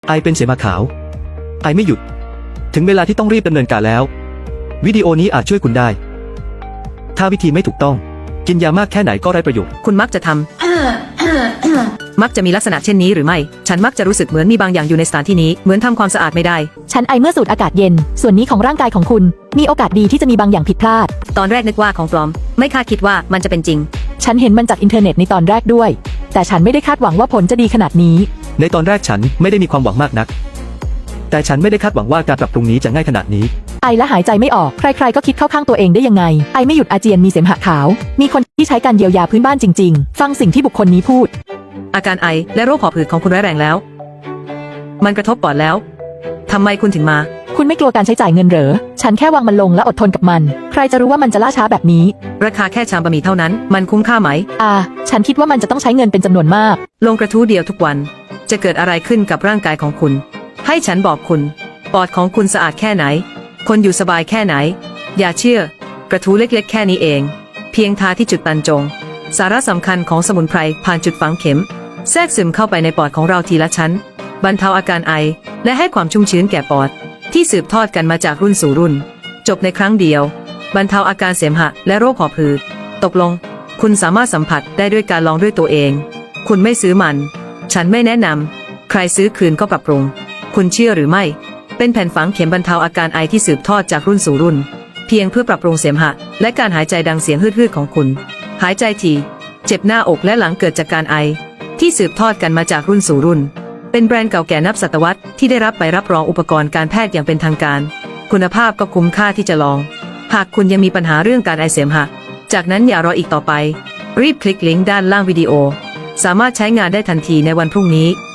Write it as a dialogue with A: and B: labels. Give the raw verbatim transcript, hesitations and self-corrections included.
A: ไอเป็นเสมหะขาวไอไม่หยุดถึงเวลาที่ต้องรีบดำเนินการแล้ววิดีโอนี้อาจช่วยคุณได้ถ้าวิธีไม่ถูกต้องกินยามากแค่ไหนก็ไร้ประโยชน์
B: คุณมักจะทำ มักจะมีลักษณะเช่นนี้หรือไม่ฉันมักจะรู้สึกเหมือนมีบางอย่างอยู่ในสถานที่นี้เหมือนทำความสะอาดไม่ได้
C: ฉันไอเมื่อสูดอากาศเย็นส่วนนี้ของร่างกายของคุณมีโอกาสดีที่จะมีบางอย่างผิดพลาด
B: ตอนแรกนึกว่าของปลอมไม่คาดคิดว่ามันจะเป็นจริง
C: ฉันเห็นมันจากอินเทอร์เน็ตในตอนแรกด้วยแต่ฉันไม่ได้คาดหวังว่าผลจะดีขนาดนี้
A: ในตอนแรกฉันไม่ได้มีความหวังมากนักแต่ฉันไม่ได้คาดหวังว่าการปรับปรุงนี้จะง่ายขนาดนี้
C: ไอและหายใจไม่ออกใครๆก็คิดเข้าข้างตัวเองได้ยังไงไอไม่หยุดอาเจียนมีเสมหะขาวมีคนที่ใช้การเยียวยาพื้นบ้านจริงๆฟังสิ่งที่บุคคลนี้พูด
B: อาการไอและโรคหอบหืดของคุณร้ายแรงแล้วมันกระทบปอดแล้วทำไมคุณถึงมา
C: คุณไม่กลัวการใช้จ่ายเงินเหรอฉันแค่วางมันลงและอดทนกับมันใครจะรู้ว่ามันจะล่าช้าแบบนี้
B: ราคาแค่ชามบะหมี่เท่านั้นมันคุ้มค่าไหม
C: อ่าฉันคิดว่ามันจะต้องใช้เงินเป็นจำนวนมาก
B: ลงกระทู้เดียวทุกวันจะเกิดอะไรขึ้นกับร่างกายของคุณให้ฉันบอกคุณปอดของคุณสะอาดแค่ไหนคนอยู่สบายแค่ไหนอย่าเชื่อกระทู้เล็กๆแค่นี้เองเพียงทาที่จุดบรรจงสาระสำคัญของสมุนไพรผ่านจุดฝังเข็มแทรกซึมเข้าไปในปอดของเราทีละชั้นบรรเทาอาการไอและให้ความชุ่มชื้นแก่ปอดที่สืบทอดกันมาจากรุ่นสู่รุ่นจบในครั้งเดียวบรรเทาอาการเสมหะและโรคหอบหืดตกลงคุณสามารถสัมผัสได้ด้วยการลองด้วยตัวเองคุณไม่ซื้อมันฉันไม่แนะนำใครซื้อคืนก็ปรับปรุงคุณเชื่อหรือไม่เป็นแผ่นฝังเข็มบรรเทาอาการไอที่สืบทอดจากรุ่นสู่รุ่นเพียงเพื่อปรับปรุงเสมหะและการหายใจดังเสียงฮืดๆของคุณหายใจถี่เจ็บหน้าอกและหลังเกิดจากการไอที่สืบทอดกันมาจากรุ่นสู่รุ่นเป็นแบรนด์เก่าแก่นับศตวรรษที่ได้รับใบรับรองอุปกรณ์การแพทย์อย่างเป็นทางการคุณภาพก็คุ้มค่าที่จะลองหากคุณยังมีปัญหาเรื่องการไอเสมหะจากนั้นอย่ารออีกต่อไปรีบคลิกลิงก์ด้านล่างวิดีโอสามารถใช้งานได้ทันทีในวันพรุ่งนี้